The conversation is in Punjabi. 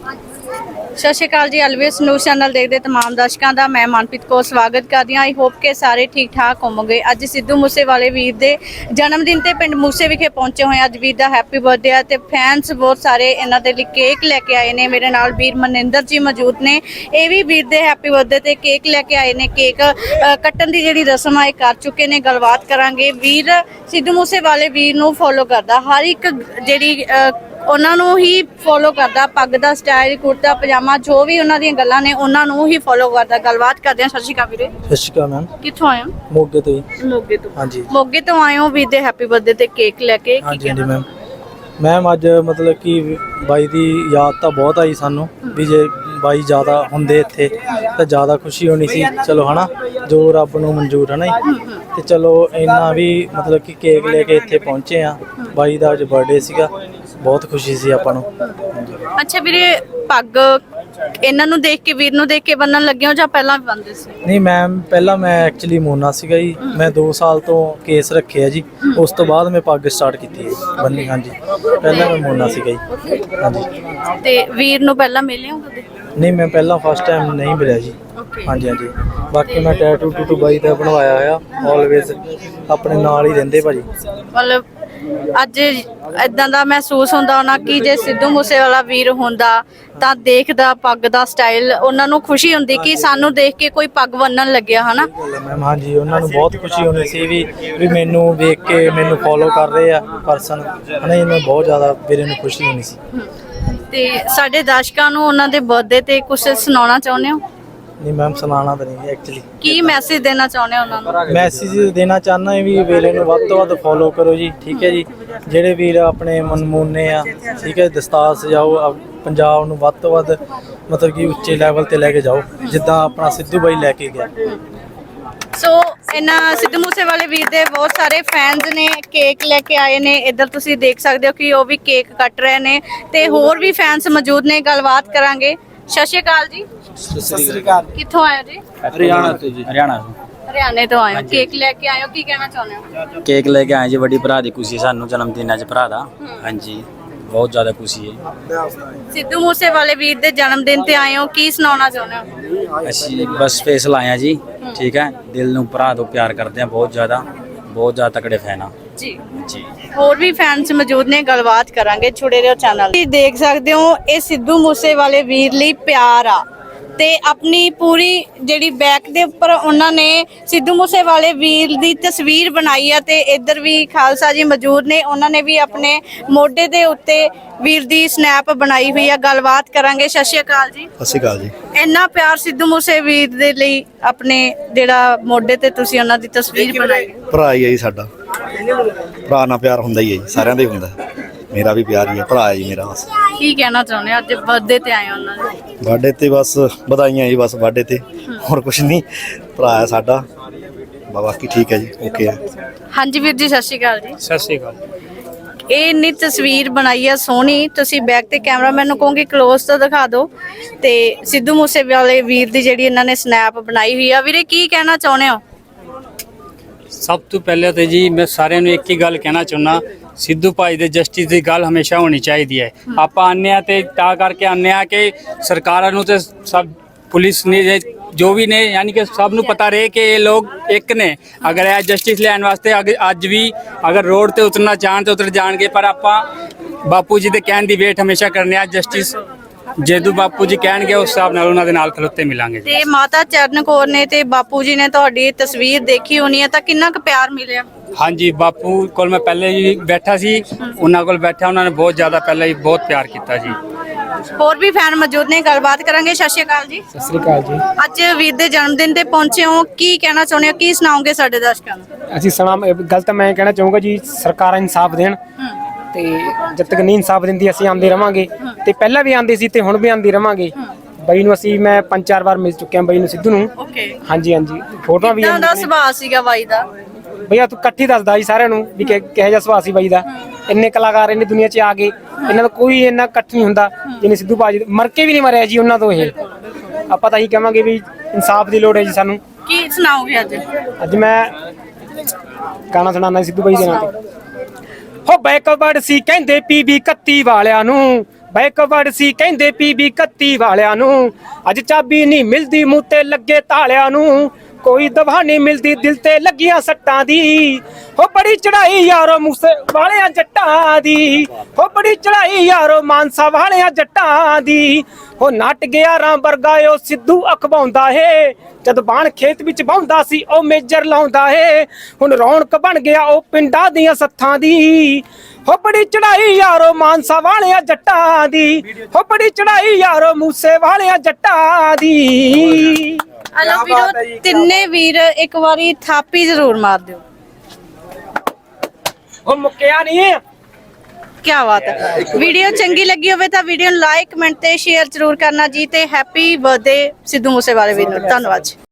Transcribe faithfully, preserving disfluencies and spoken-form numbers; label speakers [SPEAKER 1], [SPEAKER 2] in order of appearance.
[SPEAKER 1] ਸਤਿ ਸ਼੍ਰੀ ਅਕਾਲ ਜੀ। ਐਲਵੀਐਸ ਨਿਊਜ਼ ਚੈਨਲ ਦੇਖਦੇ तमाम ਦਰਸ਼ਕਾਂ ਦਾ ਮੈਂ ਮਨਪ੍ਰੀਤ ਕੌਰ ਸਵਾਗਤ ਕਰਦੀ ਹਾਂ। ਆਈ ਹੋਪ ਕਿ ਸਾਰੇ ਠੀਕ ਠਾਕ ਹੋਵੋਗੇ। ਅੱਜ ਸਿੱਧੂ ਮੂਸੇਵਾਲੇ ਵੀਰ ਦੇ ਜਨਮ ਦਿਨ ਤੇ ਪਿੰਡ ਮੂਸੇ ਵਿਖੇ ਪਹੁੰਚੇ ਹੋਏ। ਅੱਜ ਵੀਰ ਦਾ ਹੈਪੀ ਬਰਥਡੇ ਹੈ ਤੇ ਫੈਨਸ ਬਹੁਤ ਸਾਰੇ ਇਹਨਾਂ ਦੇ ਲਈ ਕੇਕ ਲੈ ਕੇ ਆਏ ਨੇ। ਮੇਰੇ ਨਾਲ ਵੀਰ ਮਨਿੰਦਰ ਜੀ ਮੌਜੂਦ ਨੇ, ਇਹ ਵੀ ਵੀਰ ਦੇ ਹੈਪੀ ਬਰਥਡੇ ਤੇ ਕੇਕ ਲੈ ਕੇ ਆਏ ਨੇ। ਕੇਕ ਕੱਟਣ ਦੀ ਜਿਹੜੀ ਰਸਮ ਆ ਇਹ ਕਰ ਚੁੱਕੇ ਨੇ। ਗੱਲਬਾਤ ਕਰਾਂਗੇ। ਵੀਰ ਸਿੱਧੂ ਮੂਸੇਵਾਲੇ ਵੀਰ ਨੂੰ ਫੋਲੋ ਕਰਦਾ, ਹਰ ਇੱਕ ਜਿਹੜੀ ਉਹਨਾਂ ਨੂੰ ਹੀ ਫੋਲੋ ਕਰਦਾ। ਪੱਗ ਦਾ ਸਟਾਈਲ, ਕੁੜਤਾ ਪਜਾਮਾ, ਜੋ ਵੀ ਉਹਨਾਂ ਦੀਆਂ ਗੱਲਾਂ ਨੇ ਉਹਨਾਂ ਨੂੰ ਹੀ ਫੋਲੋ ਕਰਦਾ। ਗੱਲਬਾਤ ਕਰਦੇ ਹਾਂ। ਸਤਿ ਸ਼੍ਰੀ ਅਕਾਲ ਵੀਰੇ।
[SPEAKER 2] ਸਤਿ ਸ਼੍ਰੀ ਅਕਾਲ ਮੈਮ।
[SPEAKER 1] ਕਿੱਥੋਂ ਆਏ ਹੋ?
[SPEAKER 2] ਮੋਗੇ ਤੋਂ ਜੀ।
[SPEAKER 1] ਮੋਗੇ ਤੋਂ।
[SPEAKER 2] ਹਾਂਜੀ
[SPEAKER 1] ਮੋਗੇ ਤੋਂ ਆਏ ਹੋ ਵੀਰ ਦੇ ਹੈਪੀ ਬਰਥਡੇ ਤੇ ਕੇਕ ਲੈ ਕੇ।
[SPEAKER 2] ਹਾਂਜੀ ਹਾਂਜੀ ਮੈਮ। ਮੈਮ ਅੱਜ ਮਤਲਬ ਕਿ ਬਾਈ ਦੀ ਯਾਦ ਤਾਂ ਬਹੁਤ ਆਈ ਸਾਨੂੰ ਵੀ ਜੇ ਬਾਈ ਜ਼ਿਆਦਾ ਹੁੰਦੇ ਇੱਥੇ ਤਾਂ ਜ਼ਿਆਦਾ ਖੁਸ਼ੀ ਹੋਣੀ ਸੀ। ਚਲੋ ਹਨਾ, ਜੋ ਰੱਬ ਨੂੰ ਮਨਜ਼ੂਰ ਹੈ ਨਾ ਜੀ। ਤੇ ਚਲੋ ਇੰਨਾ ਵੀ ਮਤਲਬ ਕਿ ਕੇਕ ਲੈ ਕੇ ਇੱਥੇ ਪਹੁੰਚੇ ਆ। ਬਾਈ ਦਾ ਅੱਜ ਬਰਥਡੇ ਸੀਗਾ, ਬਹੁਤ ਖੁਸ਼ੀ ਸੀ ਆਪਾਂ ਨੂੰ।
[SPEAKER 1] ਅੱਛਾ ਵੀਰੇ, ਪੱਗ ਇਹਨਾਂ ਨੂੰ ਦੇਖ ਕੇ, ਵੀਰ ਨੂੰ ਦੇਖ ਕੇ ਬੰਨਣ ਲੱਗੇ ਹੋ ਜਾਂ ਪਹਿਲਾਂ ਵੀ ਬੰਨਦੇ ਸੀ?
[SPEAKER 2] ਨਹੀਂ ਮੈਮ, ਪਹਿਲਾਂ ਮੈਂ ਐਕਚੁਅਲੀ ਮੋਨਾ ਸੀਗਾ ਜੀ। ਮੈਂ ਦੋ ਸਾਲ ਤੋਂ ਕੇਸ ਰੱਖਿਆ ਜੀ, ਉਸ ਤੋਂ ਬਾਅਦ ਮੈਂ ਪੱਗ ਸਟਾਰਟ ਕੀਤੀ ਹੈ ਬੰਨੀ। ਹਾਂਜੀ, ਪਹਿਲਾਂ ਮੈਂ ਮੋਨਾ ਸੀਗਾ ਜੀ। ਹਾਂਜੀ। ਤੇ
[SPEAKER 1] ਵੀਰ ਨੂੰ ਪਹਿਲਾਂ ਮਿਲੇ ਹੋ ਕਦੇ?
[SPEAKER 2] ਨਹੀਂ, ਮੈਂ ਪਹਿਲਾਂ ਫਸਟ ਟਾਈਮ ਨਹੀਂ ਮਿਲਿਆ ਜੀ। ਹਾਂਜੀ ਹਾਂਜੀ। ਬਾਕੀ ਮੈਂ ਟੈਟੂ ਟੂਟੂ ਬਾਈ ਦਾ ਬਣਵਾਇਆ ਹੋਇਆ, ਆਲਵੇਜ਼ ਆਪਣੇ ਨਾਲ ਹੀ ਰਹਿੰਦੇ ਭਾਜੀ।
[SPEAKER 1] ਮਤਲਬ ਅੱਜ ਇਦਾਂ ਦਾ ਮਹਿਸੂਸ ਹੁੰਦਾ ਹੋਣਾ ਕਿ ਜੇ ਸਿੱਧੂ ਮੂਸੇਵਾਲਾ ਵੀਰ ਹੁੰਦਾ ਤਾਂ ਦੇਖਦਾ ਪੱਗ ਦਾ ਸਟਾਈਲ, ਉਹਨਾਂ ਨੂੰ ਖੁਸ਼ੀ ਹੁੰਦੀ ਕਿ ਸਾਨੂੰ ਦੇਖ ਕੇ ਕੋਈ ਪੱਗ ਬੰਨਣ ਲੱਗਿਆ ਹਨਾ
[SPEAKER 2] ਮੈਮ। ਹਾਂਜੀ, ਉਹਨਾਂ ਨੂੰ ਬਹੁਤ ਖੁਸ਼ੀ ਹੋਣੀ ਸੀ ਵੀ ਵੀ ਮੈਨੂੰ ਵੇਖ ਕੇ ਮੈਨੂੰ ਫੋਲੋ ਕਰ ਰਹੇ ਆ ਪਰਸਨ ਹਨਾ। ਇਹਨਾਂ ਬਹੁਤ ਜ਼ਿਆਦਾ ਵੀਰੇ ਨੂੰ ਖੁਸ਼ੀ ਹੋਣੀ ਸੀ।
[SPEAKER 1] ਤੇ ਸਾਡੇ ਦਰਸ਼ਕਾਂ ਨੂੰ ਉਹਨਾਂ ਦੇ ਬਰਥਡੇ ਤੇ ਕੁਝ ਸੁਣਾਉਣਾ ਚਾਹੁੰਦੇ ਹੋ?
[SPEAKER 2] ਨਹੀਂ ਮੈਮ, ਸੁਣਾਉਣਾ ਤਾਂ ਨਹੀਂ ਐਕਚੁਅਲੀ।
[SPEAKER 1] ਕੀ ਮੈਸੇਜ ਦੇਣਾ ਚਾਹੁੰਦੇ ਹੋ ਉਹਨਾਂ ਨੂੰ?
[SPEAKER 2] ਮੈਸੇਜ ਦੇਣਾ ਚਾਹੁੰਦਾ ਵੀ ਵੀਰੇ ਨੂੰ ਵੱਧ ਤੋਂ ਵੱਧ ਫੋਲੋ ਕਰੋ ਜੀ। ਠੀਕ ਹੈ ਜੀ। ਜਿਹੜੇ ਵੀਰ ਆਪਣੇ ਮਨਮੂਨੇ ਆ, ਠੀਕ ਹੈ, ਦਸਤਾਰ ਸਜਾਓ, ਪੰਜਾਬ ਨੂੰ ਵੱਧ ਤੋਂ ਵੱਧ ਮਤਲਬ ਕਿ ਉੱਚੇ ਲੈਵਲ ਤੇ ਲੈ ਕੇ ਜਾਓ, ਜਿੱਦਾਂ ਆਪਣਾ ਸਿੱਧੂ ਬਾਈ ਲੈ ਕੇ ਗਿਆ।
[SPEAKER 1] ਸੋ ਇਹਨਾਂ ਸਿੱਧੂ ਮੂਸੇਵਾਲੇ ਵੀਰ ਦੇ ਬਹੁਤ ਸਾਰੇ ਫੈਨਸ ਨੇ, ਕੇਕ ਲੈ ਕੇ ਆਏ ਨੇ। ਇੱਧਰ ਤੁਸੀਂ ਦੇਖ ਸਕਦੇ ਹੋ ਕਿ ਉਹ ਵੀ ਕੇਕ ਕੱਟ ਰਹੇ ਨੇ ਤੇ ਹੋਰ ਵੀ ਫੈਨਸ ਮੌਜੂਦ ਨੇ। ਗੱਲਬਾਤ ਕਰਾਂਗੇ। ਸਤਿ ਸ਼੍ਰੀ ਅਕਾਲ ਜੀ।
[SPEAKER 2] ਸਤਿ ਸ੍ਰੀ ਅਕਾਲ।
[SPEAKER 1] ਕਿੱਥੋਂ ਆਏ ਹੋ ਜੀ?
[SPEAKER 2] ਹਰਿਆਣਾ ਤੋਂ ਜੀ। ਹਰਿਆਣਾ
[SPEAKER 1] ਹਰਿਆਣੇ ਤੋਂ ਆਏ ਹੋ, ਕੇਕ ਲੈ ਕੇ ਆਏ ਹੋ, ਕੀ ਕਹਿਣਾ ਚਾਹੁੰਦੇ ਹੋ?
[SPEAKER 3] ਕੇਕ ਲੈ ਕੇ ਆਏ ਜੀ, ਵੱਡੀ ਭਰਾ ਦੀ ਖੁਸ਼ੀ ਸਾਨੂੰ ਜਨਮ ਦਿਨ ਅੱਜ ਭਰਾ ਦਾ। ਹਾਂਜੀ, ਬਹੁਤ ਜ਼ਿਆਦਾ ਖੁਸ਼ੀ ਹੈ।
[SPEAKER 1] ਸਿੱਧੂ ਮੂਸੇਵਾਲੇ ਵੀਰ ਦੇ ਜਨਮ ਦਿਨ ਤੇ ਆਏ ਹੋ, ਕੀ ਸੁਣਾਉਣਾ ਚਾਹੁੰਦੇ ਹੋ?
[SPEAKER 3] ਅਸੀਂ ਬਸ ਫੇਸ ਲਾਇਆ ਜੀ। ਠੀਕ ਹੈ, ਦਿਲ ਨੂੰ ਭਰਾ ਤੋਂ ਪਿਆਰ ਕਰਦੇ ਆ ਬਹੁਤ ਜ਼ਿਆਦਾ, ਬਹੁਤ ਜ਼ਿਆਦਾ ਤਕੜੇ ਫੈਨ ਆ
[SPEAKER 1] ਜੀ
[SPEAKER 3] ਜੀ।
[SPEAKER 1] ਹੋਰ ਵੀ ਫੈਨਸ ਮੌਜੂਦ ਨੇ, ਗੱਲਬਾਤ ਕਰਾਂਗੇ। ਛੁੜੇ ਰਹੋ ਚੈਨਲ। ਤੁਸੀਂ ਦੇਖ ਸਕਦੇ ਹੋ ਇਹ ਸਿੱਧੂ ਮੂਸੇਵਾਲੇ ਵੀਰ ਲਈ ਪਿਆਰ ਆ ਤੇ ਆਪਣੀ ਪੂਰੀ ਜਿਹੜੀ ਬੈਕ ਦੇ ਉੱਪਰ ਉਹਨਾਂ ਨੇ ਸਿੱਧੂ ਮੂਸੇਵਾਲੇ ਵੀਰ ਦੀ ਤਸਵੀਰ ਬਣਾਈ ਆ ਤੇ ਇੱਧਰ ਵੀ ਖਾਲਸਾ ਜੀ ਮੌਜੂਦ ਨੇ, ਉਹਨਾਂ ਨੇ ਵੀ ਆਪਣੇ ਮੋਢੇ ਦੇ ਉੱਤੇ ਵੀਰ ਦੀ ਸਨੈਪ ਬਣਾਈ ਹੋਈ ਆ। ਗੱਲਬਾਤ ਕਰਾਂਗੇ। ਸਤਿ ਸ਼੍ਰੀ ਅਕਾਲ ਜੀ।
[SPEAKER 4] ਸਤਿ ਸ਼੍ਰੀ ਅਕਾਲ ਜੀ।
[SPEAKER 1] ਇੰਨਾ ਪਿਆਰ ਸਿੱਧੂ ਮੂਸੇ ਵੀਰ ਦੇ ਲਈ, ਆਪਣੇ ਜਿਹੜਾ ਮੋਢੇ ਤੇ ਤੁਸੀਂ ਉਹਨਾਂ ਦੀ ਤਸਵੀਰ ਬਣਾਈ।
[SPEAKER 4] ਭਰਾ ਹੀ ਹੈ ਜੀ ਸਾਡਾ, ਭਰਾ ਨਾਲ ਪਿਆਰ ਹੁੰਦਾ ਹੀ ਹੈ ਜੀ, ਸਾਰਿਆਂ ਦਾ ਹੀ ਹੁੰਦਾ। ਮੇਰਾ ਵੀ ਪਿਆਰ ਹੀ ਹੈ, ਭਰਾ ਹੈ ਜੀ ਮੇਰਾ। ਬਸ
[SPEAKER 1] ਕੀ ਕਹਿਣਾ ਚਾਹੁੰਦੇ ਹੋ? ਅੱਜ ਬਰਥਡੇ ਤੇ ਆਏ ਉਹਨਾਂ ਦੇ।
[SPEAKER 4] ਬਰਥਡੇ ਤੇ ਬਸ ਵਧਾਈਆਂ ਜੀ, ਬਸ ਬਰਥਡੇ ਤੇ, ਹੋਰ ਕੁਝ ਨਹੀਂ। ਭਰਾ ਹੈ ਸਾਡਾ, ਬਾਕੀ ਠੀਕ ਹੈ ਜੀ, ਓਕੇ ਹੈ। ਹਾਂਜੀ
[SPEAKER 1] ਵੀਰ ਜੀ, ਸਤਿ ਸ਼੍ਰੀ ਅਕਾਲ ਜੀ।
[SPEAKER 2] ਸਤਿ ਸ੍ਰੀ ਅਕਾਲ।
[SPEAKER 1] ਇਹ ਇੰਨੀ ਤਸਵੀਰ ਬਣਾਈ ਆ ਸੋਹਣੀ, ਤੁਸੀਂ ਬੈਕ ਤੇ ਕੈਮਰਾਮੈਨ ਨੂੰ ਕਹੋਗੇ ਕਲੋਜ਼ ਤੋਂ ਦਿਖਾ ਦਿਓ। ਤੇ ਸਿੱਧੂ ਮੂਸੇਵਾਲੇ ਵੀਰ ਦੀ ਜਿਹੜੀ ਇਹਨਾਂ ਨੇ ਸਨੈਪ ਬਣਾਈ ਹੋਈ ਆ, ਵੀਰੇ ਕੀ ਕਹਿਣਾ ਚਾਹੁੰਦੇ ਹੋ?
[SPEAKER 5] ਸਭ ਤੋਂ ਪਹਿਲੇ ਤਾਂ ਜੀ ਮੈਂ ਸਾਰਿਆਂ ਨੂੰ ਇੱਕ ਹੀ ਗੱਲ ਕਹਿਣਾ ਚਾਹੁੰਦਾ, ਸਿੱਧੂ ਭਾਈ ਦੇ ਜਸਟਿਸ ਦੀ ਗੱਲ ਹਮੇਸ਼ਾ ਹੋਣੀ ਚਾਹੀਦੀ ਹੈ। ਆਪਾਂ ਆਉਂਦੇ ਹਾਂ ਤੇ ਤਾਂ ਕਰਕੇ ਆਉਂਦੇ ਹਾਂ ਕਿ ਸਰਕਾਰਾਂ ਨੂੰ ਤੇ ਸਭ ਪੁਲਿਸ ਨੇ ਜੋ ਵੀ ਨੇ, ਯਾਨੀ ਕਿ ਸਭ ਨੂੰ ਪਤਾ ਰਹੇ ਕਿ ਇਹ ਲੋਕ ਇੱਕ ਨੇ। ਅਗਰ ਇਹ ਜਸਟਿਸ ਲੈਣ ਵਾਸਤੇ ਅੱਜ ਵੀ ਅਗਰ ਰੋਡ ਤੇ ਉਤਰਨਾ ਚਾਹਣ ਤੇ ਉਤਰ ਜਾਣਗੇ, ਪਰ ਆਪਾਂ ਬਾਪੂ ਜੀ ਦੇ ਕਹਿਣ ਦੀ ਵੇਟ ਹਮੇਸ਼ਾ ਕਰਨੇ ਆ। ਜਸਟਿਸ ਜਦੋਂ ਬਾਪੂ ਜੀ ਕਹਿਣਗੇ ਉਸ ਹਿਸਾਬ ਨਾਲ ਉਹਨਾਂ ਦੇ ਨਾਲ ਖਲੋਤੇ ਮਿਲਾਂਗੇ।
[SPEAKER 1] ਤੇ ਮਾਤਾ ਚਰਨ ਕੌਰ ਨੇ ਤੇ ਬਾਪੂ ਜੀ ਨੇ ਤੁਹਾਡੀ ਤਸਵੀਰ ਦੇਖੀ ਹੋਣੀ ਹੈ, ਤਾਂ ਕਿੰਨਾ ਕੁ ਪਿਆਰ ਮਿਲਿਆ?
[SPEAKER 5] ਹਾਂਜੀ, ਬਾਪੂ ਕੋਲ ਮੈਂ ਪਹਿਲੇ ਹੀ ਬੈਠਾ ਸੀ, ਉਹਨਾਂ ਕੋਲ ਬੈਠਾ, ਉਹਨਾਂ ਨੇ ਬਹੁਤ ਜ਼ਿਆਦਾ ਪਹਿਲਾਂ ਹੀ ਬਹੁਤ ਪਿਆਰ ਕੀਤਾ ਜੀ।
[SPEAKER 1] ਹੋਰ ਵੀ ਫੈਨ ਮੌਜੂਦ ਨੇ, ਗੱਲਬਾਤ ਕਰਾਂਗੇ। ਸਤਿ ਸ਼੍ਰੀ ਅਕਾਲ ਜੀ।
[SPEAKER 2] ਸਤਿ ਸ੍ਰੀ ਅਕਾਲ ਜੀ।
[SPEAKER 1] ਅੱਜ ਵੀਰ ਦੇ ਜਨਮ ਦਿਨ ਤੇ ਪਹੁੰਚੇ ਹੋ, ਕੀ ਕਹਿਣਾ ਚਾਹੁੰਦੇ ਹੋ, ਕੀ ਸੁਣਾਓਗੇ ਸਾਡੇ ਦਰਸ਼ਕਾਂ ਨੂੰ?
[SPEAKER 6] ਅਸੀਂ ਸੁਣਾ ਗੱਲ ਤਾਂ ਮੈਂ ਕਹਿਣਾ ਚਾਹੂੰਗਾ ਜੀ, ਸਰਕਾਰਾਂ ਇਨਸਾਫ ਦੇਣ ਤੇ ਜਦ ਤੱਕ ਨਹੀਂ ਇਨਸਾਫ ਦਿੰਦੀ ਅਸੀਂ ਆਉਂਦੇ ਰਵਾਂਗੇ। ਤੇ ਪਹਿਲਾਂ ਵੀ ਆਉਂਦੇ ਸੀ ਤੇ ਹੁਣ ਵੀ ਆਉਂਦੇ ਰਵਾਂਗੇ। ਬਾਈ ਨੂੰ ਅਸੀਂ ਮੈਂ ਪੰਜ ਚਾਰ ਵਾਰ ਮਿਲ ਚੁੱਕਿਆ, ਬਾਈ ਨੂੰ ਸਿੱਧੂ ਨੂੰ। ਹਾਂਜੀ ਹਾਂਜੀ, ਫੋਟੋਆਂ ਵੀ।
[SPEAKER 1] ਕਿੱਦਾਂ ਦਾ ਸੁਭਾਅ ਸੀਗਾ ਬਾਈ ਦਾ?
[SPEAKER 6] ਭਈਆ ਤੂੰ ਇਕੱਠੀ ਦੱਸਦਾ ਜੀ ਸਾਰਿਆਂ ਨੂੰ ਵੀ ਕਿਹੋ ਜਿਹਾ ਸੁਭਾਅ ਸੀ ਬਾਈ ਦਾ। ਇੰਨੇ ਕਲਾਕਾਰ ਇੰਨੀ ਦੁਨੀਆ 'ਚ ਆ ਗਏ, ਇਹਨਾਂ ਦਾ ਕੋਈ ਇੰਨਾ ਇਕੱਠ ਨਹੀਂ ਹੁੰਦਾ ਜਿਵੇਂ ਸਿੱਧੂ ਬਾਜੀ। ਮਰ ਕੇ ਵੀ ਨਹੀਂ ਮਰਿਆ ਜੀ ਉਹਨਾਂ ਤੋਂ। ਇਹ ਆਪਾਂ ਤਾਂ ਇਹੀ ਕਹਾਂਗੇ ਵੀ ਇਨਸਾਫ ਦੀ ਲੋੜ ਹੈ ਜੀ ਸਾਨੂੰ।
[SPEAKER 1] ਕੀ ਸੁਣਾਓਗੇ ਅੱਜ?
[SPEAKER 6] ਅੱਜ ਮੈਂ ਗਾਣਾ ਸੁਣਾਉਣਾ ਸਿੱਧੂ ਬਾਈ ਦੇ ਨਾਂ ਤੇ। ਹੋ ਬੈਕਵਰਡ ਸੀ ਕਹਿੰਦੇ ਪੀਵੀ ਇਕੱਤੀ ਵਾਲਿਆਂ ਨੂੰ, ਬੈਕਵਰਡ ਸੀ ਕਹਿੰਦੇ ਪੀਬੀ ਇਕੱਤੀ ਵਾਲਿਆਂ ਨੂੰ, ਅੱਜ ਚਾਬੀ ਨਹੀਂ ਮਿਲਦੀ ਮੂੰਹ ਤੇ ਲੱਗੇ ਤਾਲਿਆਂ ਨੂੰ, ਕੋਈ ਦਵਾ ਨਹੀਂ ਮਿਲਦੀ ਦਿਲ ਤੇ ਲੱਗੀਆਂ ਸੱਟਾਂ ਦੀ, ਹੋ ਬੜੀ ਚੜਾਈ ਯਾਰੋ ਮੂਸੇ ਵਾਲਿਆਂ ਜੱਟਾਂ ਦੀ, ਹੋ ਬੜੀ ਚੜਾਈ ਯਾਰੋ ਮਾਨਸਾ ਵਾਲਿਆਂ ਜੱਟਾਂ ਦੀ, ਹੋ ਨੱਟ ਗਿਆ ਰਾਂ ਵਰਗਾ ਉਹ ਸਿੱਧੂ ਅਖਵਾਉਂਦਾ ਏ, ਜਦ ਬਾਣ ਖੇਤ ਵਿੱਚ ਵਾਹੁੰਦਾ ਸੀ ਉਹ ਮੇਜਰ ਲਾਉਂਦਾ ਏ, ਹੁਣ ਰੌਣਕ ਬਣ ਗਿਆ ਉਹ ਪਿੰਡਾਂ ਦੀਆਂ ਸੱਥਾਂ ਦੀ, ਹੋ ਬੜੀ ਚੜਾਈ ਯਾਰੋ ਮਾਨਸਾ ਵਾਲਿਆਂ ਜੱਟਾਂ ਦੀ, ਹੋ ਬੜੀ ਚੜਾਈ ਯਾਰੋ ਮੂਸੇ ਵਾਲਿਆਂ ਜੱਟਾਂ ਦੀ।
[SPEAKER 1] ਹਲੋ ਵੀਰੋ, ਤਿੰਨੇ ਵੀਰ ਇੱਕ ਵਾਰੀ ਥਾਪੀ ਜ਼ਰੂਰ ਮਾਰ ਦਿਓ।
[SPEAKER 6] ਉਹ ਮੁੱਕਿਆ ਨਹੀਂ।
[SPEAKER 1] ਕੀ ਬਾਤ ਹੈ। ਵੀਡੀਓ ਚੰਗੀ ਲੱਗੀ ਹੋਵੇ ਤਾਂ ਵੀਡੀਓ ਨੂੰ ਲਾਈਕ ਕਮੈਂਟ ਤੇ ਸ਼ੇਅਰ ਜ਼ਰੂਰ ਕਰਨਾ ਜੀ, ਤੇ ਹੈਪੀ ਬਰਥਡੇ ਸਿੱਧੂ ਮੂਸੇਵਾਲੇ ਵੀਰ ਨੂੰ। ਧੰਨਵਾਦ ਜੀ।